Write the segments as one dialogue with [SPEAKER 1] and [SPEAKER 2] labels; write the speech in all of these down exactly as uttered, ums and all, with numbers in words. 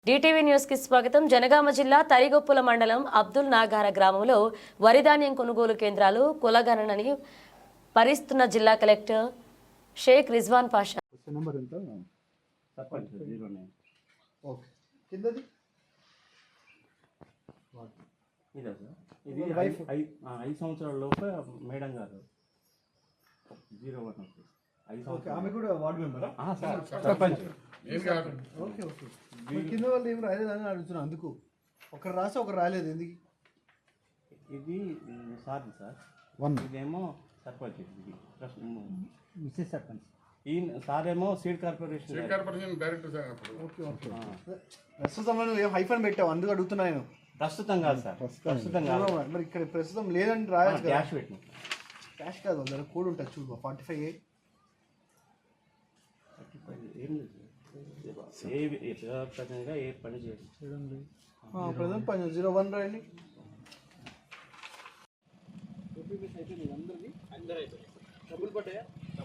[SPEAKER 1] DTV news కి స్వాగతం. జనగామ జిల్లా తరిగొప్పుల మండలం అబ్దుల్ నాగార గ్రామంలో వరిధాన్యం కొనుగోలు కేంద్రాలు కులగణనని పరిస్తున్న జిల్లా కలెక్టర్ షేక్ రిజ్వాన్ పాషా.
[SPEAKER 2] నెంబర్ ఎంత?
[SPEAKER 3] చెప్పండి సార్. Zero nine.
[SPEAKER 2] ఓకే. కిందది
[SPEAKER 3] ఇదే సార్. ఇది ఐదు ఐదు సంవత్సరాల లోపే మేడం గారు జీరో వన్ ఓకే. ఐదు సంవత్సరాలు.
[SPEAKER 2] ఆమె కూడా వార్డు మెంబరా?
[SPEAKER 3] సార్ చెప్పండి.
[SPEAKER 2] Okay okay. కింద వాళ్ళు ఏం రాలేదని అడుగుతున్నా. అందుకు ఒకరు రాసి ఒకరు రాలేదు ఎందుకు?
[SPEAKER 3] ఇది సార్ సార్
[SPEAKER 2] వన్
[SPEAKER 3] ఇదేమో సర్పంచ్. ఇది
[SPEAKER 2] మిస్సెస్ సర్పంచ్.
[SPEAKER 3] ఈ సార్ ఏమో seed corporation
[SPEAKER 4] seed corporation director sir.
[SPEAKER 2] Okay okay. ప్రస్తుతంలో నువ్వు ఏం హైఫన్ పెట్టావు అందుకు అడుగుతున్నా నేను.
[SPEAKER 3] ప్రస్తుతం కాదు సార్. ప్రస్తుతం కాదు.
[SPEAKER 2] మరి ఇక్కడ ప్రస్తుతం లేదని రాయచ్చు కదా.
[SPEAKER 3] క్యాష్ పెట్టిన
[SPEAKER 2] క్యాష్ కాదు, అందులో కోడ్ ఉంటుంది చూడు. ఫార్టీ ఫైవ్ ఏ
[SPEAKER 3] ఏం లేదు ఏ ప్రకారంగా ఏ పని చేయండి.
[SPEAKER 2] ప్రజెంట్ పని జీరో వన్ రాయండి. డబ్బులు పడ్డాయా?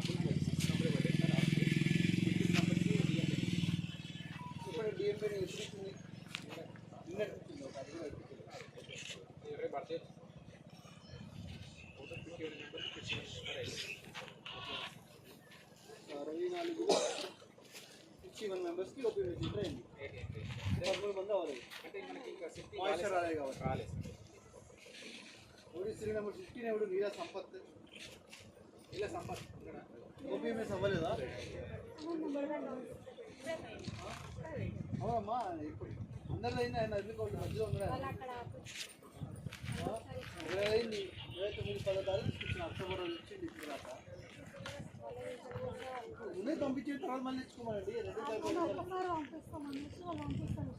[SPEAKER 2] అరవై నాలుగు సిక్స్టీ వన్ మెంబర్స్కి ఓపీఎస్ ట్రైన్ పదమూడు మంది అవ్వాలి. అంటే మనకి ఇంకా మాయిశ్చర్ రాలేదు కాబట్టి రాలేదు. ఓడి త్రీ నెంబర్ ఫిఫ్టీన్ ఎవడు నీలా సంపత్ ఇలా సంపత్ ఓపీఎంఎస్ అవ్వలేదా? అవునమ్మా. ఇప్పుడు అందరిలో అయింది. ఆయన అగ్రికల్చర్ మధ్యలో ఉన్నాడు. ఇరవై అయింది. ఇరవై తొమ్మిది పదో తారీఖు తీసుకొచ్చిన అక్టోబర్ రోజు ఇచ్చింది. ఇప్పుడు దాకా ముందే పంపించిన తర్వాత మళ్ళీ తెచ్చుకోమండి. రెండు